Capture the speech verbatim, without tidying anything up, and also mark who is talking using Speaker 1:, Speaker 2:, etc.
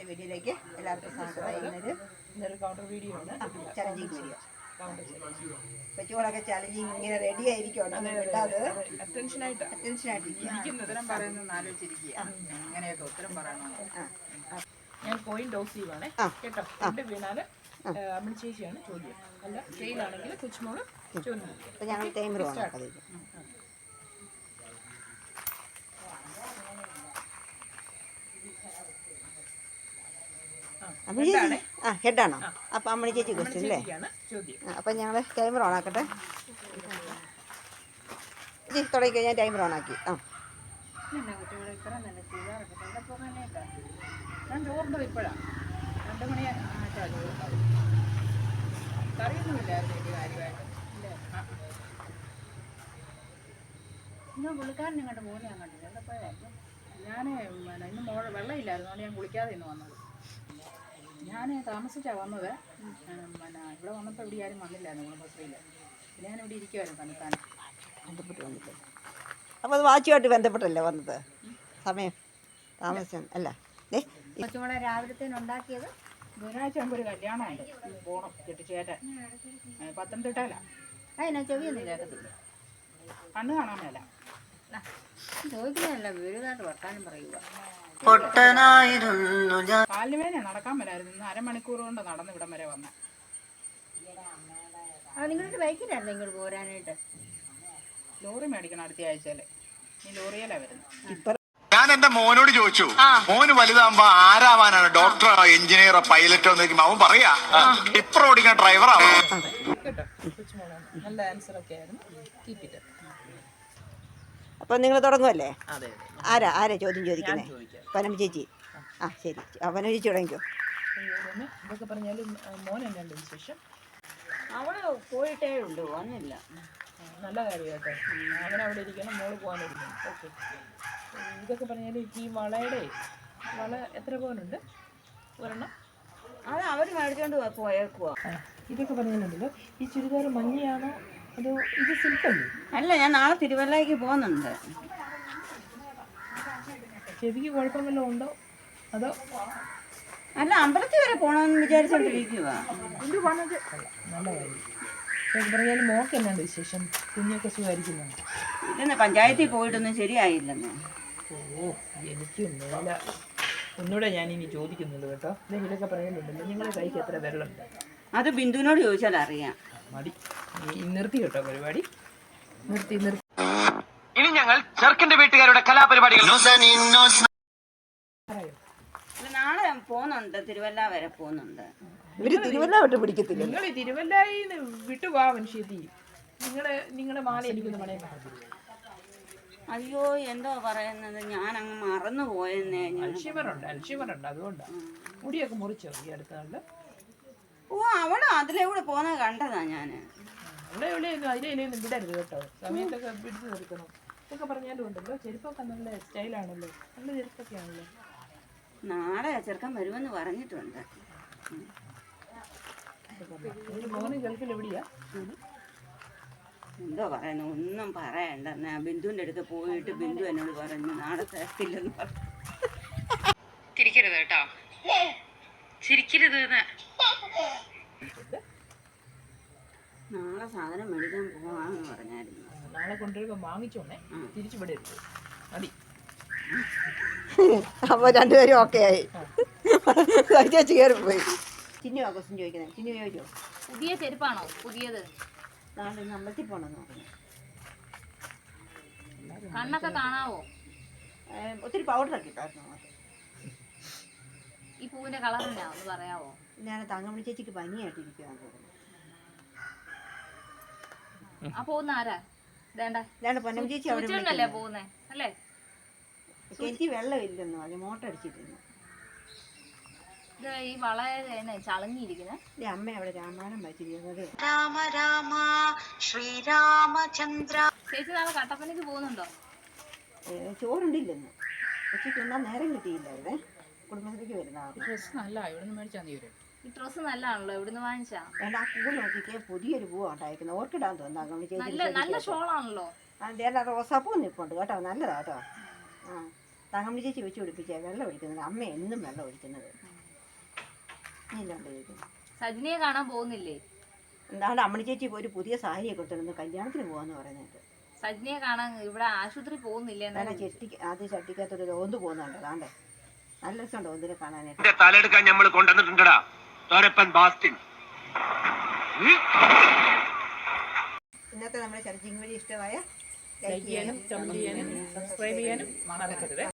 Speaker 1: വീഡിയോയിലേക്ക് എല്ലാവർക്കും സ്വാഗതം. ഇന്നൊരു
Speaker 2: ഇന്നൊരു കൗണ്ടർ വീഡിയോ ആണ്,
Speaker 1: ചലഞ്ചിങ് വീഡിയോ.
Speaker 2: Counter challenge.
Speaker 1: കൊച്ചുകളൊക്കെ ചലഞ്ചിങ് ഇങ്ങനെ റെഡി ആയിരിക്കുവാണ്, വിടാതെ
Speaker 2: അറ്റൻഷനായിട്ട്
Speaker 1: അറ്റൻഷനായിട്ടിരിക്കും.
Speaker 3: ഉത്തരം പറയുന്നത് ആലോചിച്ചിരിക്കുക, അങ്ങനെയൊക്കെ ഉത്തരം പറയണം.
Speaker 2: ഞാൻ കോയിൻ ടോസ് ചെയ്യുവാണേ കേട്ടോ. രണ്ട് വീണാല് അമ്മണി ചേച്ചിയാണ് ചോദ്യം, അല്ല ഫെയിലാണെങ്കിൽ കൊച്ചുമോള് ചോദ്യം.
Speaker 1: അപ്പം ഞങ്ങൾ ടൈമർ വാങ്ങാം. അമ്മണി ചേച്ചി ആ ഹെഡാണോ? അപ്പം അമ്മണി ചേച്ചി ക്വസ്റ്റ്യൻ അല്ലേ? അപ്പം ഞങ്ങൾ ടൈമർ ഓൺ ആക്കട്ടെ. ചേച്ചി തുടങ്ങിക്കോ, ഞാൻ ടൈമർ ഓൺ ആക്കി. ആ
Speaker 3: ഞാൻ ചോറിൻ്റെ ഇപ്പോഴാണ് രണ്ട് മണി ആയിട്ടാണ് ചോറുണ്ടാവും. കറിയൊന്നുമില്ലായിരുന്നു എനിക്ക് കാര്യമായിട്ട്. ഇന്ന് പുള്ളിക്കാരൻ ഇങ്ങോട്ട് മോനെ ഞാൻ കണ്ടില്ല, എവിടെ പോയായിരുന്നു? ഞാൻ പിന്നെ ഇന്ന് മോൾ വെള്ളമില്ലായിരുന്നു, അതുകൊണ്ട് ഞാൻ കുളിക്കാതെ ഇന്ന് വന്നത്. ഞാൻ താമസിച്ചാണ് വന്നത്. പിന്നെ ഇവിടെ വന്നപ്പോൾ ഇവിടെ ആരും വന്നില്ലായിരുന്നു കുടുംബശ്രീയിൽ. പിന്നെ ഞാനിവിടെ ഇരിക്കുമായിരുന്നു തന്നെത്താൻ
Speaker 1: ബന്ധപ്പെട്ട് വന്നിട്ട്. അപ്പോൾ അത് വാച്ചുമായിട്ട് ബന്ധപ്പെട്ടല്ലേ വന്നത്? സമയം താമസിച്ചാണ് അല്ല?
Speaker 3: കൊച്ചുമോളെ രാവിലത്തേന് ഉണ്ടാക്കിയത് ബുധനാഴ്ച ആകുമ്പോൾ ഒരു കല്യാണമുണ്ട്, പോണം കെട്ടിച്ചേട്ടൻ. പത്തനംതിട്ടയിലാണ്. അതിനാ ചെവിയൊന്നും കേൾക്കത്തില്ല, കണ്ണ് കാണാൻ മേല. ചോദിക്കുന്നതല്ല, വീടുകാട്ട് വർത്താനം പറയുക. കാലിന് വേദന, നടക്കാൻ മേലായിരുന്നു. ഇന്ന് അരമണിക്കൂർ കൊണ്ട് നടന്ന് ഇവിടം വരെ വന്ന. ആ നിങ്ങളുടെ ബൈക്കിലായിരുന്നു ഇങ്ങോട്ട് പോരാനായിട്ട്? ലോറി മേടിക്കണം അടുത്ത ആഴ്ചയിൽ. ഈ ലോറിയിലാണ് വരുന്നത്.
Speaker 4: ഞാൻ എന്റെ മോനോട് ചോദിച്ചു, മോന് വലുതാകുമ്പോ ആരാവാനാണ്? ഡോക്ടറോ എഞ്ചിനീയറോ പൈലറ്റോ എന്ന് ചോദിക്കുമ്പോ അവൻ പറയാ ടിപ്പർ ഓടിക്കുന്ന ഡ്രൈവറാവോ.
Speaker 2: നല്ല ആൻസർ ഒക്കെ ആയിരുന്നു.
Speaker 1: അപ്പം നിങ്ങൾ തുടങ്ങുമല്ലേ? ആരാ ആരാ ചോദ്യം ചോദിക്കുന്നത്? പനമ ചേച്ചി. ആ ശരി, പനമ ചേച്ചി തുടങ്ങിക്കോ.
Speaker 2: ഇതൊക്കെ പറഞ്ഞാലും മോൻ എന്നാണ്ട് വിശേഷം?
Speaker 3: അവള് പോയിട്ടേ ഉള്ളൂ, വന്നില്ല.
Speaker 2: നല്ല കാര്യമായിട്ട് അവനവിടെ ഇരിക്കണം, മോള് പോകാനിരിക്കണം. ഓക്കെ. ഇതൊക്കെ പറഞ്ഞാൽ ഈ വളയുടെ വള എത്ര പോകാനുണ്ട്? ഒരെണ്ണം
Speaker 3: അത് അവർ മേടിച്ചോണ്ട് പോയേക്കുവാ.
Speaker 2: ഇതൊക്കെ പറഞ്ഞാലുണ്ടല്ലോ, ഈ ചുരിദാർ മഞ്ഞയാണോ അതോ ഇത് സിൽക്കല്ലേ?
Speaker 3: അല്ല, ഞാൻ നാളെ തിരുവല്ലയ്ക്ക് പോകുന്നുണ്ട്.
Speaker 2: ചെവിക്ക് കുഴപ്പം വല്ലതും ഉണ്ടോ അതോ?
Speaker 3: അല്ല, അമ്പലത്തിൽ വരെ പോകണമെന്ന് വിചാരിച്ചോണ്ടിരിക്കുക.
Speaker 2: നല്ല കാര്യം. ഇതൊക്കെ പറഞ്ഞാലും മോക്ക് എന്നാണ്ട് വിശേഷം? കുഞ്ഞൊക്കെ സുഖമായിരിക്കുന്നു?
Speaker 3: ഇല്ലെന്ന്, പഞ്ചായത്തിൽ പോയിട്ടൊന്നും ശരിയായില്ലെന്ന്.
Speaker 2: ഓ, എനിക്കും മേല. ഒന്നുകൂടെ ഞാനിനി ചോദിക്കുന്നുള്ളൂ കേട്ടോ. ഇതൊക്കെ പറയാനുണ്ടല്ലോ, നിങ്ങളുടെ കൈക്ക് എത്ര വെള്ളമുണ്ട്?
Speaker 3: അത് ബിന്ദുവിനോട് ചോദിച്ചാൽ അറിയാം.
Speaker 2: മതി, നിർത്തി കേട്ടോ പരിപാടി. നിർത്തി നിർത്തി.
Speaker 4: ഇനി ഞങ്ങൾ ചെറുക്കന്റെ വീട്ടുകാരുടെ കലാപരിപാടികൾ.
Speaker 3: നാളെ പോകുന്നുണ്ട്, തിരുവല്ല വരെ പോകുന്നുണ്ട്.
Speaker 1: ഇവര് തിരുവല്ല വിട്ട് പിടിക്കത്തില്ല.
Speaker 2: നിങ്ങൾ ഈ തിരുവല്ലയിൽ വിട്ടുപോവാ മനുഷ്യത്തി. നിങ്ങളെ നിങ്ങളുടെ മാല എനിക്കൊന്ന് പണയം കാണത്തില്ല.
Speaker 3: അയ്യോ, എന്തോ പറയുന്നത്, ഞാൻ അങ്ങ് മറന്നു പോയെന്നേ.
Speaker 2: അൽഷിമറുണ്ട് അൽഷിമറുണ്ട് അതുകൊണ്ടാണ്. മുടിയൊക്കെ മുറിച്ചോ ഈ അടുത്ത നാളില്?
Speaker 3: ഓ, അവള് അതിലെ കൂടെ പോകുന്നത് കണ്ടതാ ഞാന്.
Speaker 2: അവിടെ എവിടെയൊന്നും അതിലെയൊന്നും വിടരുത് കേട്ടോ, സമയത്തൊക്കെ പിടിച്ചു നിർത്തണം. ഇതൊക്കെ പറഞ്ഞാലും ഉണ്ടല്ലോ, ചെരുപ്പൊക്കെ നല്ല സ്റ്റൈലാണല്ലോ, നല്ല ചെരുപ്പൊക്കെ ആണല്ലോ.
Speaker 3: നാളെ ചെറുക്കൻ വരുമെന്ന് പറഞ്ഞിട്ടുണ്ട്.
Speaker 2: മോന് ഗൾഫിൽ എവിടെയാ?
Speaker 3: എന്തോ പറയുന്നു, ഒന്നും പറയണ്ട. ബിന്ദുവിൻ്റെ അടുത്ത് പോയിട്ട് ബിന്ദു എന്നോട് പറഞ്ഞു നാളെ തരത്തില്ലെന്ന് പറഞ്ഞു. ചിരിക്കരുത് കേട്ടോ, ചിരിക്കരുത്. നാളെ സാധനം മേടിക്കാൻ പോവാന്ന് പറഞ്ഞായിരുന്നു.
Speaker 2: നാളെ കൊണ്ടുവരുമ്പോ വാങ്ങിച്ചോണേ, തിരിച്ചു വിടരുത്. മതി.
Speaker 1: അപ്പോൾ രണ്ടുപേരും ഓക്കെ ആയി. ചേച്ചി കയറി പോയി. ചിന്നു ക്വസ്റ്റ്യൻ ചോദിക്കുന്നത്. ചിന്നു ചോദിച്ചോ?
Speaker 5: പുതിയ ചെരുപ്പാണോ? പുതിയത്
Speaker 1: നാളെ ഇന്ന് അമ്പലത്തിൽ പോകണമെന്ന് പറഞ്ഞു.
Speaker 5: കണ്ണൊക്കെ കാണാവോ?
Speaker 1: ഒത്തിരി പൗഡറൊക്കെ ഇട്ടായിരുന്നു നമുക്ക്.
Speaker 5: ഈ പൂവിന്റെ കളർ എന്നാ ഒന്ന് പറയാവോ?
Speaker 1: ഞാൻ തങ്കമണി ചേച്ചിക്ക് പനിയായിട്ടിരിക്കുകയാണ് തോന്നുന്നു.
Speaker 5: ആ പോകുന്ന ആരാ? വേണ്ട
Speaker 1: ഇതാണ് പൊന്നമ്മ ചേച്ചി അവിടെ
Speaker 5: അല്ലേ പോകുന്നേ അല്ലേ?
Speaker 1: എനിക്ക് വെള്ളമില്ലെന്ന് പറഞ്ഞു, മോട്ടർ അടിച്ചിട്ടിരുന്നു.
Speaker 5: ഇത് ഈ വളരെ ചളങ്ങിയിരിക്കുന്നത്.
Speaker 1: അമ്മ അവിടെ രാമായണം വായിച്ചിരിക്കുന്നത്.
Speaker 6: രാമ രാമ ശ്രീരാമചന്ദ്ര.
Speaker 5: ചേച്ചി നാളെ കട്ടപ്പനയ്ക്ക് പോകുന്നുണ്ടോ?
Speaker 1: ചോറുണ്ടില്ലെന്ന് ഉച്ചയ്ക്ക് ഒന്നാം നേരം കിട്ടിയില്ലായിരുന്നേ. കുടുംബശ്രീക്ക് വരുന്ന
Speaker 3: ഡ്രസ് നല്ല ഇവിടുന്ന് മേടിച്ചാൽ മതി.
Speaker 5: ഈ ഡ്രസ്സ് നല്ലതാണല്ലോ, ഇവിടുന്ന് വാങ്ങിച്ചാ?
Speaker 1: വേണ്ട, ആ പൂ നോക്കിക്കേ, പുതിയൊരു പൂവാണ് ഉണ്ടായിരിക്കുന്നത്. ഓർക്കിടാൻ തോന്നുന്നു.
Speaker 5: നല്ല ഷോളാണല്ലോ.
Speaker 1: അതേണ്ട, റോസാപ്പൂ നിൽപ്പുണ്ട് കേട്ടോ, നല്ലതാ കേട്ടോ. ആ തങ്കമ്മ ചേച്ചി വെച്ച് പിടിപ്പിച്ചേ വെള്ളം ഒഴിക്കുന്നത്. അമ്മ എന്നും വെള്ളം ഒഴിക്കുന്നത്. ഇല്ലാണ്ട് ചോദിക്കുന്നു.
Speaker 5: സജിനിയെ കാണാൻ പോകുന്നില്ലേ?
Speaker 1: എന്താണ്ട് അമ്മണി ചേച്ചി ഒരു പുതിയ സാരിയൊക്കെ കൊടുത്തിരുന്നു കല്യാണത്തിന് പോകാന്ന് പറയുന്നത്.
Speaker 5: സജിനിയെ കാണാൻ ഇവിടെ ആശുപത്രി പോകുന്നില്ലേ?
Speaker 1: എന്നാ ചെട്ടി ആദ്യം ചട്ടിക്കകത്തൊരു ഓന്ത് പോകുന്നുണ്ട്. അതാണ്ടേ നല്ല രസമുണ്ട് ഓന്തിനെ കാണാനായിട്ട്.
Speaker 6: തലെടുക്കാൻ നമ്മൾ കൊണ്ടുവന്നിട്ടുണ്ടടാ ബാസ്റ്റിൻ.
Speaker 1: ഇന്നത്തെ നമ്മുടെ ചർച്ചിങ് വഴി ഇഷ്ടമായ
Speaker 2: ലൈക്ക് ചെയ്യാനും കമന്റ് ചെയ്യാനും സബ്സ്ക്രൈബ് ചെയ്യാനും മറക്കരുത്.